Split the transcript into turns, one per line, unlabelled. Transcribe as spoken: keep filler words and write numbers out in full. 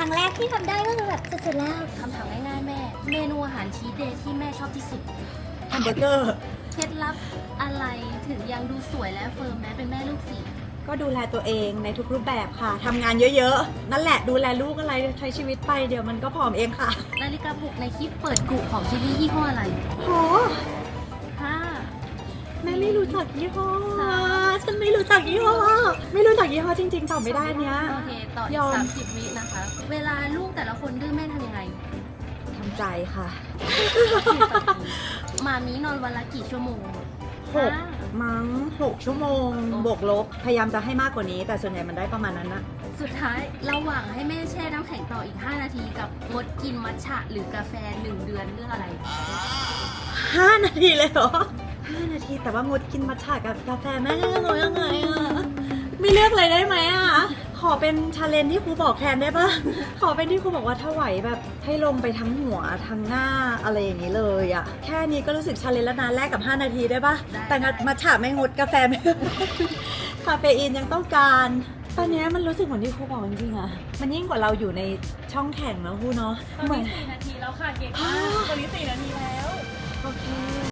รั้งแรกที่ทำได้ก็คือแบบสุดๆแล้ว
คำถามง่ายๆแม่ เมนูอาหารชีสเดย์ที่แม่ชอบที่สุด
แฮมเบอร์เกอร์
เคล็ดลับอะไรถึงยังดูสวยและเฟิร์มแม้เป็นแม่ลูกสี่
ก็ดูแลตัวเองในทุกรูปแบบค่ะทำงานเยอะๆนั่นแหละดูแลลูกอะไรใช้ชีวิตไปเดี๋ยวมันก็ผอมเองค่ะ
นาฬิกาปลุกในคลิปเปิดกุของชิลลี่ยี่ห้ออะไร
โห
ห้า
แม่ไม่รู้จักยี่ห้อฉันไม่รู้จักยี่ห้อไม่รู้จักยี่ห้อจริงๆตอบไม่ได้เนี้ย
โอเค ต่ออี
ย
ก
อม
สามสิบวินะคะ เวลาลูกแต่ละคนดื้อแม่ทำยังไง
ทำใจค่ะ
มามีนอนวันละกี่ชั่วโมง
หกมั้งหกชั่วโมงบวกลบพยายามจะให้มากกว่านี้ แต่ส่วนใหญ่มันได้ประมาณนั้นนะ
สุดท้ายระหว่างให้แม่แช่น้ำแข็งต่ออีก ห้า นาทีกับงดกินมัทฉะหรือกาแฟหนึ่งเดือนเลือกอะไร
ห้านาทีเลยเหรอห้านาทีแต่ว่างดกินมัทฉะกับกาแฟแม่จะงดยังไงอ่ะไม่เลือกเลยได้ไหมอ่ะขอเป็นชาเลนจ์ที่ครูบอกแทนได้ปะขอเป็นที่ครูบอกว่าถ้าไหวแบบให้ลงไปทั้งหัวทั้งหน้าอะไรอย่างนี้เลยอ่ะแค่นี้ก็รู้สึกชาเลนจ์แล้วนะแลกกับห้านาทีได้ปะ
ได้
แต่งัดมัทฉะไม่งดกาแฟไม่ คาเฟอีนยังต้องการ ตอนนี้มันรู้สึกเหมือนที่ครูบอกจริงๆอะมันยิ่งกว่าเราอยู่ในช่องแข่งแล้วครูเนาะ
ตอนนี้สี่นาทีแล้วค่ะเก่งมากตอนนี้สี่นาทีแล้ว
โอเค